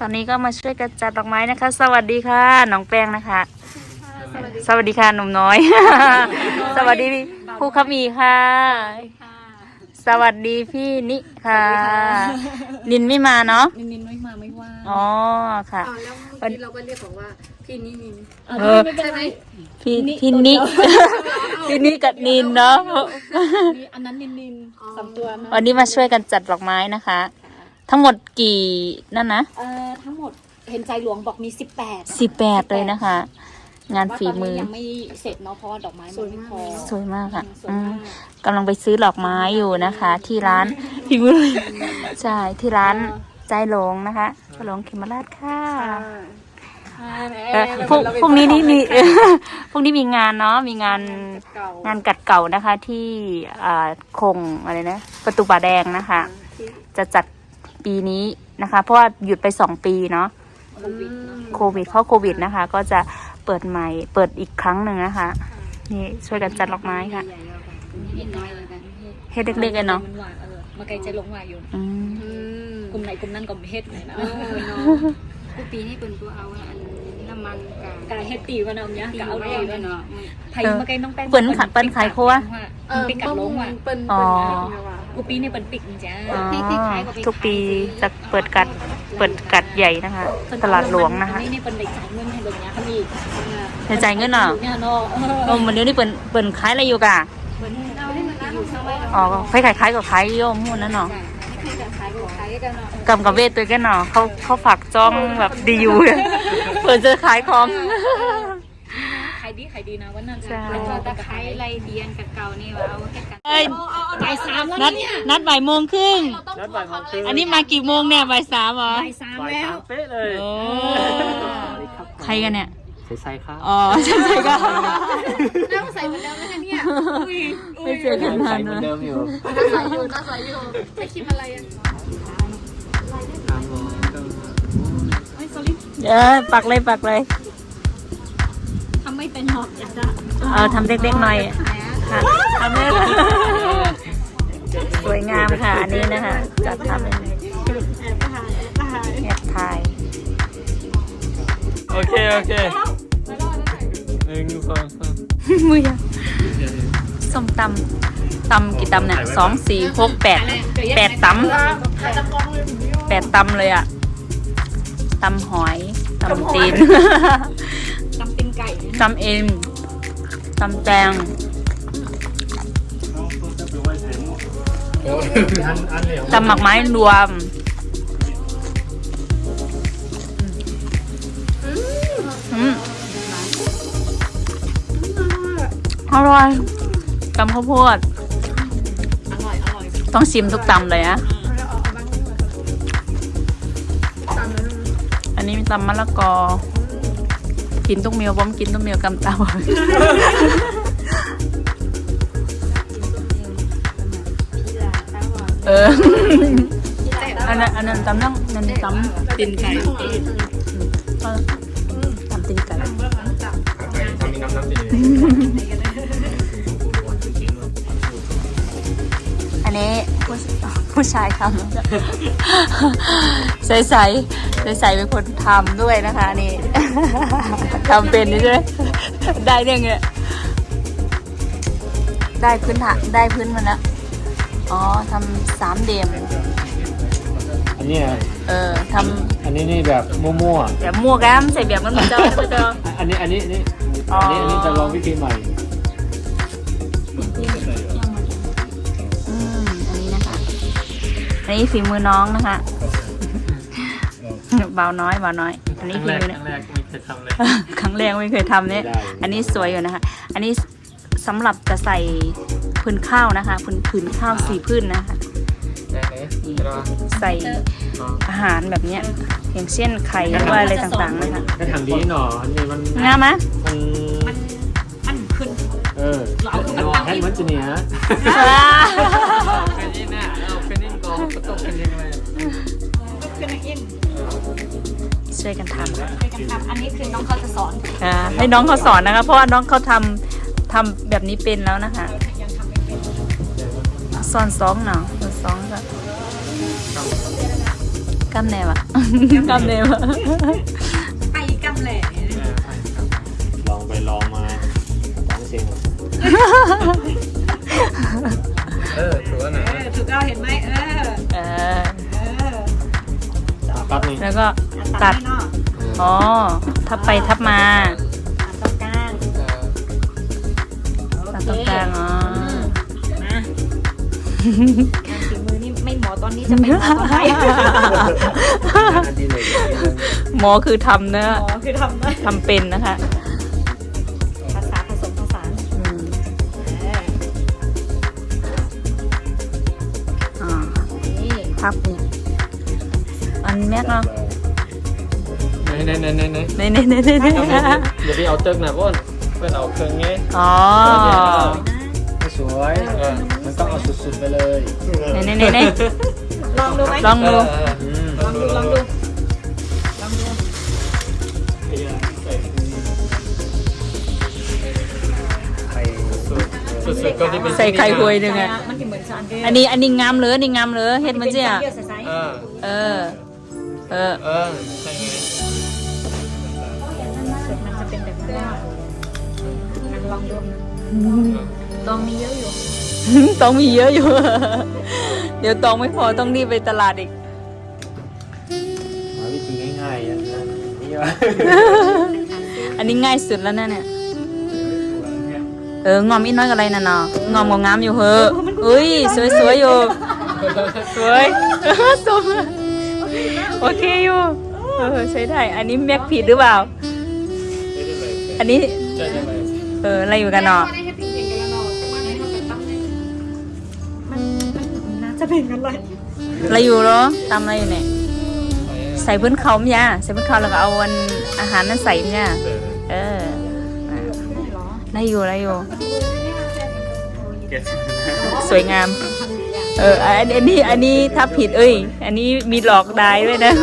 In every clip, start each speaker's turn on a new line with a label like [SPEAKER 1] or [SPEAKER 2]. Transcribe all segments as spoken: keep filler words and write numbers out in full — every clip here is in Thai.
[SPEAKER 1] อนนี้ก็มาช่วยกันจัดดอกไม้นะคะสวัสดีค่ะน้องแป้งนะคะสวัสดีค่ะหนุ่มน้อยสวัสดีผู้ขมีค่ะสวัสดีพี่นิค่ะนินไม่มาเนาะ
[SPEAKER 2] นินนินไม่มาไม่ว่า
[SPEAKER 1] อ๋อค่ะ
[SPEAKER 3] แล้ววันนี้เราก็เรียกบอกว่าพี่นินิน
[SPEAKER 1] เออใช่ไหมพี่พี่นิพี่นิกับนินเนาะ
[SPEAKER 2] อันนั้นนินนินสามตัวนะ
[SPEAKER 1] วันนี้มาช่วยกันจัดดอกไม้นะคะทั้งหมดกี่นั่นนะ
[SPEAKER 2] เอ่อทั้งหมดเห็นใจหลวงบอกมีสิบแปด
[SPEAKER 1] สิบแปดเลยนะคะงานฝีมือ
[SPEAKER 2] ยังไม่เสร็จเนาะเพราะว่าดอกไม้มันไม่พอ
[SPEAKER 1] สวยมากค่ะกำลังไปซื้อดอกไม้อยู่นะคะ ที่ร้านฝีมือใช่ที่ร้านใจหลงนะคะหลงเขมราชค่ะพรุ่งพรุ่งนี้นี่มีพรุ่งนี้มีงานเนาะมีงานงานกัดเก่านะคะที่คงอะไรนะประตูป่าแดงนะคะจะจัดปีนี้นะคะเพราะว่าหยุดไปสองปีเนาะโควิดเข้าโควิดนะคะก็จะเปิดใหม่เปิดอีกครั้งหนึ่งนะคะนี่ช่วยกันจัดดอกไม้ค่ะเฮ็ดเล็กๆกันเนาะ
[SPEAKER 2] มาไกลใจลงมาอยู่กลุ่มไหนกลุ่มนั้นก็เฮ็ดเลยนะ
[SPEAKER 3] กูปีนี้เป็นตัวเอาอันน้ำมัน
[SPEAKER 2] กายเฮ็ดตีวันเอาเนี้ยกะเอาดีวันเนาะไผ่มาไกลน้องแป้ง
[SPEAKER 1] เปิ้นขัดเปิ้นขายโคว่ะ
[SPEAKER 2] ปิกกัดลงว่ะ
[SPEAKER 1] อ๋อ
[SPEAKER 2] กูปีนี้เปิ้นปิกจ้า
[SPEAKER 1] ทุกปีจะเปิดกัดเปิดกัดใหญ่นะคะตลาดหลวงนะคะ
[SPEAKER 2] นี่นี่เปิ้นได้จ่ายเงินให้ลงเนี้ยเขามี
[SPEAKER 1] ได้จ่ายเงินเหรอเออวันนี้นี่เปิ้นเปิ้นขายอะไรอยู่กะอ๋อใครขายขายก็ขายโยมหุ่นนั่นเนาะกำกับเวทตัวกันเนาะเขาเขาฝากจ้องแบบดีอยู่เปิดจะขายของ
[SPEAKER 2] ขายดีขายดีนะวันนั้น
[SPEAKER 3] แล้วก็ตะไคร้ไรเดียนกับเก่านี่ว่าเอาแค่กัน
[SPEAKER 2] บ่ายสามแล้วเนี่ย
[SPEAKER 1] นัดบ่ายโมงครึ่ง
[SPEAKER 4] นัดบ่ายโมงครึ่ง
[SPEAKER 1] อันนี้มากี่โมงเนี่ยบ่ายสามเหรอ
[SPEAKER 2] บ่ายสามแล้ว
[SPEAKER 4] เป๊ะเลย
[SPEAKER 1] โอ้ใครกันเนี่ย
[SPEAKER 4] ใส่ครับ
[SPEAKER 1] อ๋อใช่ใช่ก็
[SPEAKER 3] น้าใส่เหมือนเดิมไหมคะเนี่ย
[SPEAKER 1] ไม่เจอกันนานนะ
[SPEAKER 4] เดิมอยู่
[SPEAKER 3] น้าใส่อยู่น้าใส่อยู่ใส่ครีมอะไรอ่ะ
[SPEAKER 1] เออปักเลยปักเลย
[SPEAKER 2] ทำไม่เป็นหรอกอยากจะ
[SPEAKER 1] เออทำเล็กๆหน่อยค่ะทำเลยสวยงามค่ะอันนี้นะคะจัดทำเป็นแอบถ่าย
[SPEAKER 4] โอเคโอเคหนึ่งสองสาม
[SPEAKER 1] มือยังส้มตำตำกี่ตำเนี่ยสองสี่หกแปดแปดตำแปดตำเลยอ่ะตำหอยตำตีน
[SPEAKER 2] ตำตีนไก่
[SPEAKER 1] ตำเอ็มตำแตงตำหมักไม้รวมอร่อยตำข้าวโพด
[SPEAKER 2] อร่อยอร่อย
[SPEAKER 1] ต้องชิมทุกตำเลยนะอันนี้มีตำมะละกอกินตุ้งเมียวบ้อมกินตุ้งเมียวกำเตาเอออันนั้นอันนั้นตำนั่งนั่นตำตีนไก่ตำตีนไก่อันนี้ผู้ผู้ชายทำใส่ใส่ใส่ใส่เป็นคนทำด้วยนะคะนี่ทำเป็นนี่ใช่ไหมได้เรื่องเงี้ยได้พื้นฐานได้พื้นมันแล้วอ๋อทำสามเดียม
[SPEAKER 4] อันนี้
[SPEAKER 1] เออท
[SPEAKER 4] ำอันนี้นี่แบบมั่ว
[SPEAKER 1] ๆแบบมั่วแก้มใส่แบบมันเหมือนเจ้าเจ้า
[SPEAKER 4] อันนี้อันนี้อันนี้อันนี้อันนี้จะลองวิธีใหม่
[SPEAKER 1] อืมอันนี้นะคะอันนี้ฝีมือน้องนะคะเบาน้อยเบาน้อยอันนี้ฝีมือเนี่ยครั้งแรกไม่เคยทำเนี่ยอันนี้สวยอยู่นะคะอันนี้สำหรับจะใส่พื้นข้าวนะคะพื้นพื้นข้าวสี่พื้นนะคะใส่อาหารแบบเนี้ยอย่างเช่นไข่หรือว่าอะไรต่างๆนะคะ
[SPEAKER 4] ก็ทำดีหน่ออันนี้มัน
[SPEAKER 1] งามไหม
[SPEAKER 4] มัน
[SPEAKER 2] มันมันขึ้น
[SPEAKER 4] เอออันแค่มันจะเนี้ยเป็นนี่น่ะเราเป็นนี่กองก็ต้องเป็นยังไง
[SPEAKER 2] ขึ้นอิน
[SPEAKER 1] ช่วยกันทำ
[SPEAKER 2] ช่วยกันทำอันนี้คือน้องเขาจะสอน
[SPEAKER 1] อ่าให้น้องเขาสอนนะคะเพราะว่าน้องเขาทำทำแบบนี้เป็นแล้วนะคะสอนสองเนาะสอนสองก็กำแนวอะกำแนวอะ
[SPEAKER 2] ไปกำแหล่
[SPEAKER 4] ลองไปลองมาสองเสียงเออถือว่าไหน
[SPEAKER 2] เออถูกเอาเห็นไหมเออ
[SPEAKER 1] เออ
[SPEAKER 2] เออ
[SPEAKER 4] ปั๊บนี่
[SPEAKER 1] แล้วก็
[SPEAKER 2] ตั
[SPEAKER 1] ตั
[SPEAKER 2] ด
[SPEAKER 1] ด
[SPEAKER 2] เนาะ
[SPEAKER 1] อ๋อทับไปทับมา
[SPEAKER 2] ตัดตรงกลาง
[SPEAKER 1] ตัดตรงกลางอ๋อ
[SPEAKER 2] มางานฝีมือนี่ไม่หมอตอนนี้จะเป็นหมอตอนไหน
[SPEAKER 4] อันดีเลย
[SPEAKER 1] หมอคือทำเนอะ
[SPEAKER 2] หมอคือทำได้
[SPEAKER 1] ทำเป็นนะคะ
[SPEAKER 2] ภาษาผสมผสาน
[SPEAKER 1] อืม
[SPEAKER 2] เออ
[SPEAKER 1] อ่า
[SPEAKER 2] นี่
[SPEAKER 1] พับนี่อันแม็กเนาะ
[SPEAKER 4] ไหนไหนไหนไหนไหน
[SPEAKER 1] ในในในในใน
[SPEAKER 4] อย่าไปเอาเติมนะพ่นเพื่อนเอาเครื่องงี้
[SPEAKER 1] อ๋อ
[SPEAKER 4] ไม่สวยเออมันต้องเอาสุดๆไปเลย
[SPEAKER 1] ในในในใน
[SPEAKER 2] ลองดูไหม
[SPEAKER 1] ลองดู
[SPEAKER 2] ลองดูลองดูลองดู
[SPEAKER 4] ไข่สุดๆก็ที่เป็น
[SPEAKER 1] ใส่ไข่หวยหนึ่งอะ
[SPEAKER 2] มันจะเหมือนสารเกลื
[SPEAKER 1] อันนี้อันนี้งามเลยอันนี้งามเลยเฮ็ดมันเจ้า
[SPEAKER 2] เยื่อใส
[SPEAKER 4] เออ
[SPEAKER 1] เออ เออ
[SPEAKER 4] เออใช่ไง
[SPEAKER 2] ๆส่วนมันจะเป็นแบบนั้นอ่ะลองดูลองมีเยอะอยู่
[SPEAKER 1] ต้องมีเยอะอยู่ เดี๋ยวตองไม่พอต้องรีบไปตลาดอีก
[SPEAKER 4] หาวิธีง่ายๆนะนี่ว่า
[SPEAKER 1] อันนี้ง่ายสุดแล้วนะเนี่ย เอองอมอีกน้อยกับอะไรน่ะเนาะงอมงงามอยู่เหอะอุ้ยสวยๆอยู่ สวย สวยโอเคอยู่เออใช้ได้ อันนี้แม็กผิดหรือเปล่า อันนี้
[SPEAKER 4] ใช่ใช่ไหม
[SPEAKER 1] เอออะไรอยู่กันเนาะ
[SPEAKER 2] มันน่าจะเป็นอะไร
[SPEAKER 1] อะไรอยู่เหรอตำอะไรอยู่เนี่ย ใส่พื้นเขามั้ยะใส่พื้นเขาแล้วก็เอาอันอาหารนั้นใส่มั้ยะเอออ่ะได้อยู่ได้อยู่ สวยงาม เอออันอันนี้อันนี้ถ้าผิดเอ้ย อันนี้มีหลอกได้ด้วยนะ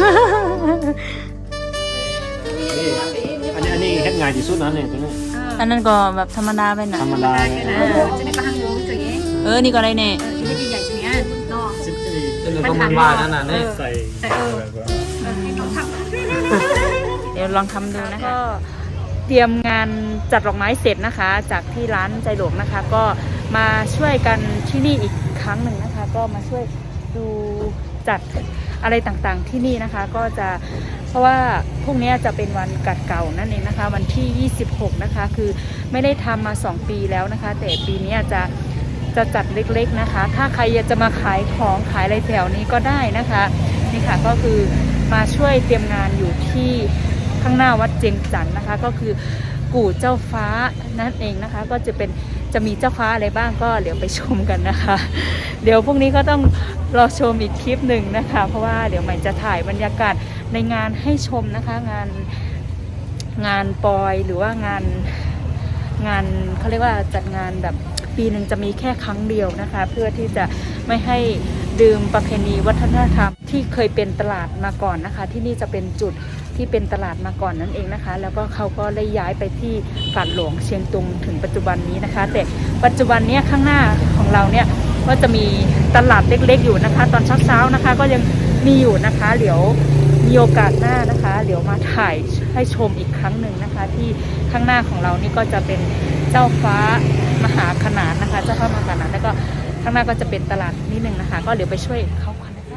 [SPEAKER 4] นี่อันนี้อันนี้เฮ็ดง่ายที่สุดนะเนี่ยตัวนี้
[SPEAKER 1] อันนั้นก็แบบธรรมดาไปหน่อ
[SPEAKER 4] ธร
[SPEAKER 1] ย
[SPEAKER 4] รมดาเนี่ย
[SPEAKER 2] จะได้กระหังรู้จุ๋ย
[SPEAKER 1] เออ นี่ก็อะไรเนี่ย
[SPEAKER 2] เออที่ใหญ่ๆจุ๋ยเนาะ
[SPEAKER 4] สิบสี่เป็นต้องบ้านนั่นน่ะเนี่ยใส่
[SPEAKER 2] แต่เออเออให้น้องทำ
[SPEAKER 1] เดี๋ยวลองทำดูนะคะก็เตรียมงานจัดดอกไม้เสร็จนะคะ จากที่ร้านใจหลวงนะคะ ก็มาช่วยกันที่นี่อีกครั้งหนึ่งนะคะ ก็มาช่วยดูจัดอะไรต่างๆที่นี่นะคะ ก็จะเพราะว่าพรุ่งนี้จะเป็นวันกัดเก่านั่นเองนะคะ วันที่ยี่สิบหกนะคะคือไม่ได้ทำมาสองปีแล้วนะคะ แต่ปีนี้จะจะจัดเล็กๆนะคะ ถ้าใครอยากจะมาขายของขายอะไรแถวนี้ก็ได้นะคะนี่ค่ะก็คือมาช่วยเตรียมงานอยู่ที่ข้างหน้าวัดเจียงจันทน์นะคะ ก็คือกู่เจ้าฟ้านั่นเองนะคะ ก็จะเป็นจะมีเจ้าฟ้าอะไรบ้างก็เดี๋ยวไปชมกันนะคะ เดี๋ยวพรุ่งนี้ก็ต้องรอชมอีกคลิปหนึ่งนะคะ เพราะว่าเดี๋ยวใหม่จะถ่ายบรรยากาศในงานให้ชมนะคะ งานงานปอยหรือว่างานงานเขาเรียกว่าจัดงานแบบปีหนึ่งจะมีแค่ครั้งเดียวนะคะ เพื่อที่จะไม่ให้ดื่มประเพณีวัฒนธรรมที่เคยเป็นตลาดมาก่อนนะคะ ที่นี่จะเป็นจุดที่เป็นตลาดมาก่อนนั่นเองนะคะ แล้วก็เขาก็ได้ย้ายไปที่กาดหลวงเชียงตุงถึงปัจจุบันนี้นะคะ แต่ปัจจุบันเนี้ยข้างหน้าของเราเนี่ยก็จะมีตลาดเล็กๆอยู่นะคะ ตอนเช้าๆนะคะ ก็ยังมีอยู่นะคะ เดี๋ยวมีโอกาสหน้านะคะเดี๋ยวมาถ่ายให้ชมอีกครั้งหนึ่งนะคะ ที่ข้างหน้าของเรานี่ก็จะเป็นเจ้าฟ้ามหาขนานนะคะ เจ้าฟ้ามหาขนานแล้วก็ข้างหน้าก็จะเป็นตลาดนิดนึงนะคะ ก็เดี๋ยวไปช่วยเขากันนะคะ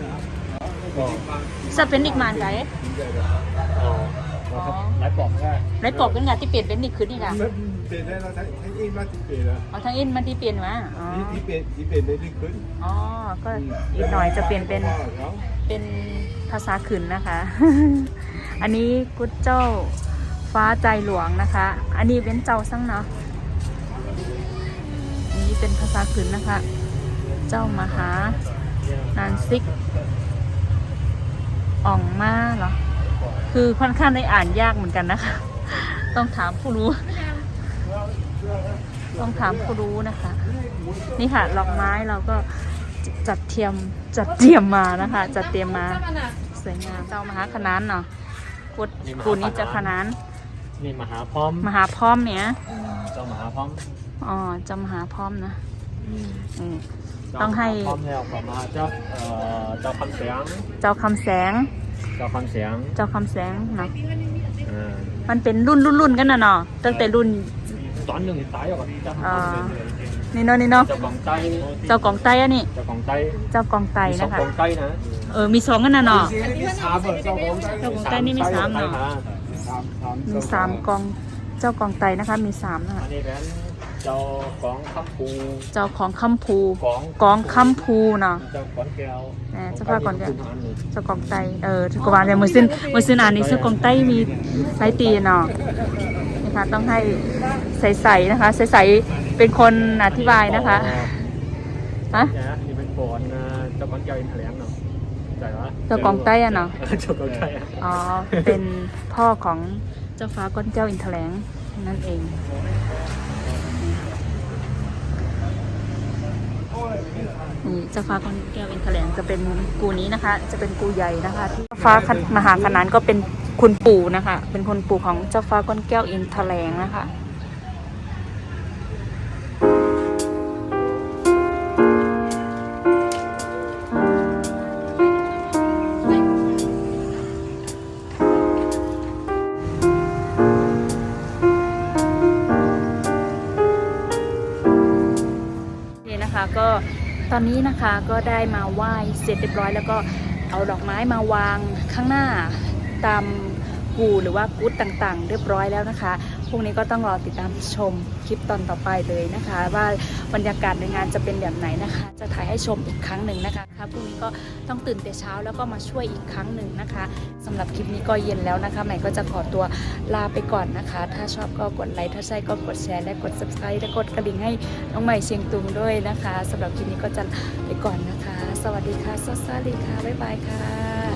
[SPEAKER 1] จะเป็นอีกมานไก
[SPEAKER 4] อ๋อครับไล่ปอกได้
[SPEAKER 1] ไรปอบกันงาที่เปลี่ยนเป็นนี่คือนี่ค่ะ
[SPEAKER 5] เปลี่ยนได้เราทั้งทั้งอินมาที่เปลี่ยนแล้ว
[SPEAKER 1] เอาทั้งอินมันที่เปลี่ยนมาอ๋อ
[SPEAKER 5] ที่ที่เปลี่ยนที่เปลี่ยนได้ดีขึ้น
[SPEAKER 1] อ๋อก็อีกหน่อยจะเปลี่ยนเป็น
[SPEAKER 5] พ่อเขา
[SPEAKER 1] เป็นภาษาขืนนะคะ อันนี้กุดเจ้าฟ้าใจหลวงนะคะ อันนี้เป็นเจ้าซังเนาะอันนี้เป็นภาษาขืนนะคะ เจ้ามหานานซิกอ่องมาเหรอคือค่อนข้างได้อ่านยากเหมือนกันนะคะ ต้องถามผู้รู้ ต้องถามผู้รู้นะคะ นี่ค่ะดอกไม้เราก็จัดเทียมจัดเตรียมมานะคะ จัดเตรียมมาสวยงามเจ้ามหาคณานเนาะกุดกูนี้จะคณาน
[SPEAKER 4] นี่มหาพร้อม
[SPEAKER 1] มหาพร้อมเนี่ย
[SPEAKER 4] เจ้ามหาพร้อม
[SPEAKER 1] อ๋อเจ้ามหาพร้อมนะ
[SPEAKER 4] อืม
[SPEAKER 1] อืม ต้องให้
[SPEAKER 4] พร้อมแล้วก็มาเจ้าเอ่อเจ้าคำเสียง
[SPEAKER 1] เจ้าคำแสง
[SPEAKER 4] เจ้าคำเสียง
[SPEAKER 1] เจ้าคำแสงเนาะ
[SPEAKER 4] อ่า
[SPEAKER 1] มันเป็นรุ่นรุ่นรุ่นกันนะเนาะตั้งแต่รุ่น
[SPEAKER 4] ตอนหนึ่งตายก่อนเจ้า
[SPEAKER 1] อ่า
[SPEAKER 4] คำเสียง
[SPEAKER 1] นี่เนาะนี่เนาะ
[SPEAKER 4] เจ้ากองไต
[SPEAKER 1] เจ้ากองไตอันนี้
[SPEAKER 4] เจ้ากองไต
[SPEAKER 1] เจ้ากองไต
[SPEAKER 4] มีสอ
[SPEAKER 1] นะ
[SPEAKER 4] ง
[SPEAKER 1] คะ
[SPEAKER 4] กองไตนะ
[SPEAKER 1] เออมีสองกันนะเนาะ
[SPEAKER 5] มีสามเหรอเจ้าของได้
[SPEAKER 1] เจ้ากองไตนี่มีสามเนาะ
[SPEAKER 5] สามสาม
[SPEAKER 1] มีสามกองเจ้ากองไตนะคะ มีสามนะคะ
[SPEAKER 4] อันนี้เป็นเจ้ากองคำปู
[SPEAKER 1] เจ้าของคำภู
[SPEAKER 4] กอง
[SPEAKER 1] กองคำภูเนาะ
[SPEAKER 4] เจ้ากองแก้ว
[SPEAKER 1] แหมเจ้าพ่อกองแก้ว เจ้ากองไตเออทุกวันเนี่ยมือซึ่นมือซึ่นอ่านนี่เจ้ากองไตมีหลายตีเนาะนะคะต้องให้ใสๆนะคะใสๆเป็นคนอธิบายนะคะฮะ
[SPEAKER 4] เนี่ยนี่เป็นปอนเจ้ากองแก้วอินทแถลงเนาะใจวะ
[SPEAKER 1] เจ้ากองไตอะเนาะ
[SPEAKER 4] เจ้ากองไตอะ
[SPEAKER 1] อ๋อเป็นพ่อของเจ้าฟ้าก้อนแก้วอินทแถลงนั่นเองนี่เจ้าฟ้าก้อนแก้วอินทแถลงจะเป็นกูนี้นะคะ จะเป็นกูใหญ่นะคะที่ฟ้ามหาขนานก็เป็นคุณปู่นะคะ เป็นคุณปู่ของเจ้าฟ้าก้อนแก้วอินทแถลงนะคะก็ตอนนี้นะคะก็ได้มาไหว้เสร็จเรียบร้อยแล้วก็เอาดอกไม้มาวางข้างหน้าตามกูหรือว่ากุ๊ดต่างๆ เรียบร้อยแล้วนะคะพรุ่งนี้ก็ต้องรอติดตามชมคลิปตอนต่อไปเลยนะคะ ว่าบรรยากาศในงานจะเป็นแบบไหนนะคะ จะถ่ายให้ชมอีกครั้งหนึ่งนะคะพรุ่งนี้ก็ต้องตื่นแต่เช้าแล้วก็มาช่วยอีกครั้งหนึ่งนะคะสำหรับคลิปนี้ก็เย็นแล้วนะคะใหม่ก็จะขอตัวลาไปก่อนนะคะ ถ้าชอบก็กดไลค์ถ้าใช่ก็กดแชร์และกด ซับสไครบ์ และกดกระดิ่งให้น้องใหม่เชียงตุงด้วยนะคะสำหรับคลิปนี้ก็จะไปก่อนนะคะ สวัสดีค่ะสวัสดีค่ะบ๊ายบายค่ะ